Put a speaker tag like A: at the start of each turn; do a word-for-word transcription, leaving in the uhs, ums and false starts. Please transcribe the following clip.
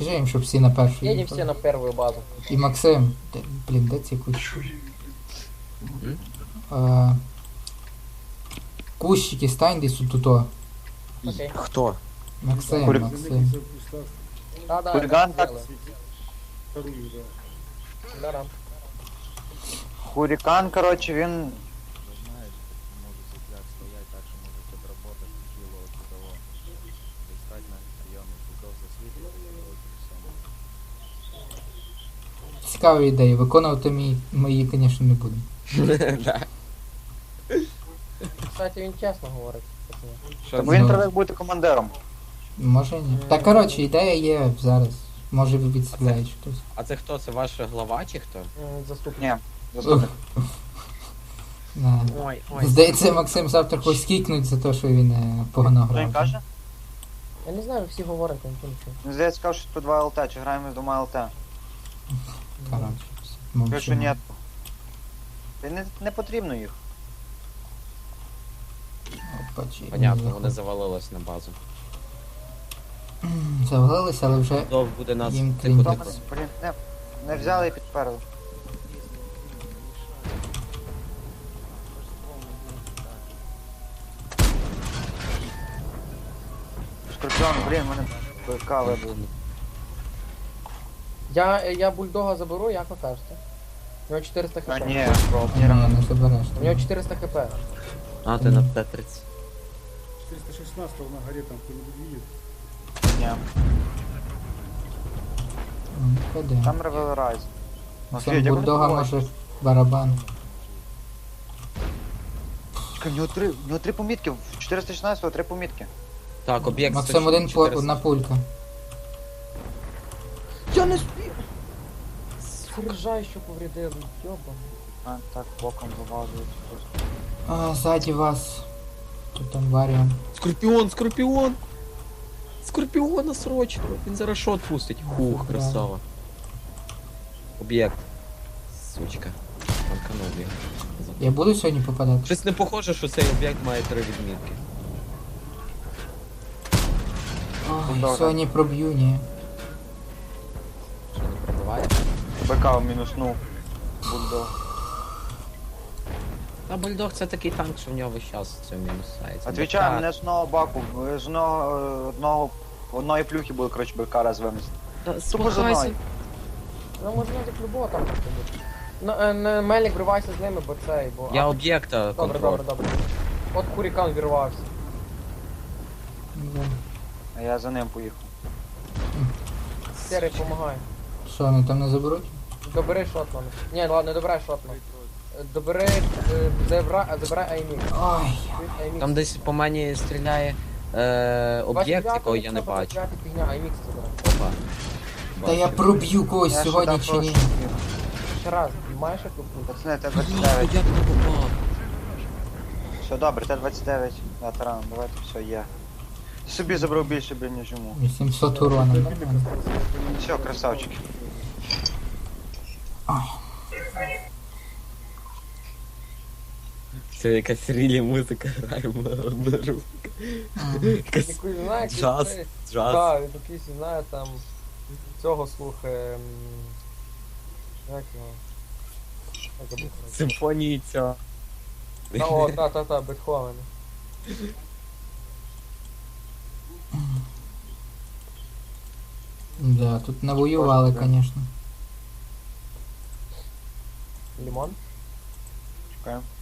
A: Скажи їм, щоб всі на першу
B: Едем
A: їхали.
B: все на первую базу.
A: І Максим, де, блін, де ці кущі?
C: Мгм.
A: А, кущики стань десь тут.
B: Окей.
C: Хто?
A: Максим,
D: Курик.
A: Максим.
B: Да, да,
D: Хулиган
B: это
D: так.
B: сделаю.
D: Вторую, да.
B: Да, да.
D: Хурикан, короче, він...
E: Знаешь, может сейчас стоять так, что может отработать кило от того. Достать на приемы фигов засветить и все.
A: Цікаві ідеї. Виконувати мій, мої, звісно, не будемо.
C: Да.
B: Кстати, він чесно говорить. пацани.
C: Що
D: Тому
C: це?
D: він треба бути командиром.
A: Може ні. Та коротше, ідея є зараз. Може ви відстріляєш хтось.
C: А це хто? Це ваш глава чи хто?
B: М, Заступник.
D: Ні, заступник.
A: Да.
C: Ой, ой.
A: Здається, Максим завтра когось кікнуть за те, що він е, погано
D: Хто він
A: грав.
D: каже?
B: Я не знаю, всі говорять, я нічого не чую.
D: Він здається, сказав, що по два ЛТ, чи граємо з двома ЛТ.
A: Коротше,
D: Кажу, що
A: мовчимо.
D: ні. Та не, не потрібно їх.
A: Опачі,
C: Понятно,
A: не
C: вони завалились на базу.
A: заходять. Завалилися, але вже
C: Хто буде нас
A: Їм
C: тихо
A: крім-
C: тихо.
D: Блін, не, не взяли і підперли. Скорпіон, блін, мене ПК вибив.
B: Я, я бульдога заберу, як ви кажете? У нього чотириста
D: А
B: хп.
D: ні,
A: ні, не забереш.
B: У нього чотириста хп.
C: А, ти на Т тридцять.
F: четыреста шестнадцать на горе там кто-нибудь видит?
D: ні.
A: Ну, ходи.
D: Там Ревел Райз.
A: Максим Бульдога може барабан.
D: Чекай, в нього три, в нього три помітки, в чотириста шістнадцятого три помітки.
C: Так, об'єкт
A: Максим один по,
C: чотириста.
A: одна пулька.
B: Я не спів! Фуржай, що повредили, йоба.
D: А, так, боком вивазують.
A: А, ззаді вас. Тут там варіант.
C: Скорпіон, скорпіон! Скорпіона срочно! Він зараз шот пустить. Хух,
A: Правда.
C: красава. Об'єкт. Сучка. Танканув його.
A: Я буду сьогодні попадати?
C: Щось не похоже, що цей об'єкт має три відмітки.
A: Ой,
D: Добре.
A: сьогодні проб'ю, ні.
C: Що не пробиває?
D: БК в мінуснув. Бульдог.
C: Та бульдог це такий танк, що в нього весь час все мінусається.
D: Отвічаю,
C: БК.
D: мене з одного баку, з одного, е, одного, одної плюхи буде, коротше, БК раз винести.
C: Та
D: Тупо за
C: смахайся.
D: мною.
B: Ну, можна як любого там просто бути. Ну, е, не Мелік вривайся з ними, бо цей, бо...
C: Я
B: а,
C: об'єкта
B: Добре,
C: контроль.
B: добре, добре. От Хурікан вірвався.
A: Да.
D: А я за ним поїхав.
B: Серий, помагай.
A: Що, вони там не заберуть?
B: Добери шотмана. Ні, ладно, не добирай шотман. Е, Добери, е, забирай, забирай Аймік.
A: Ой.
B: Аймік.
C: Там десь по мені стріляє е, об'єкт, якого я не бачу.
B: Фігня, Аймік забирай.
C: Опа.
A: Та я
C: Бачу.
A: проб'ю когось
D: Я ще
A: сьогодні
D: там
A: чи ні.
D: трошки.
B: Ще раз, маєш яку путь?
D: Пацани, Т
C: Ні,
D: двадцять
C: як
D: дев'ять.
C: не попав?
D: Все добре, Т двадцять дев'ять. Ветеран, давайте все є. Собі забрав більше, блін, ніж йому.
A: вісімсот урона. Нормально.
D: Все, красавчики.
C: Це якась рілі музика грає в одну руку. Якась
B: Якусь, знає, якийсь
C: джаз,
B: цей-
C: джаз.
B: Так, він якийсь, знає, там, цього слухає, м, як його? Як забув?
C: Симфонії цього.
B: Та, о, та, та, та, Бетховен.
A: Да, тут навоювали, звісно.
B: Лімон?
D: Чекаємо.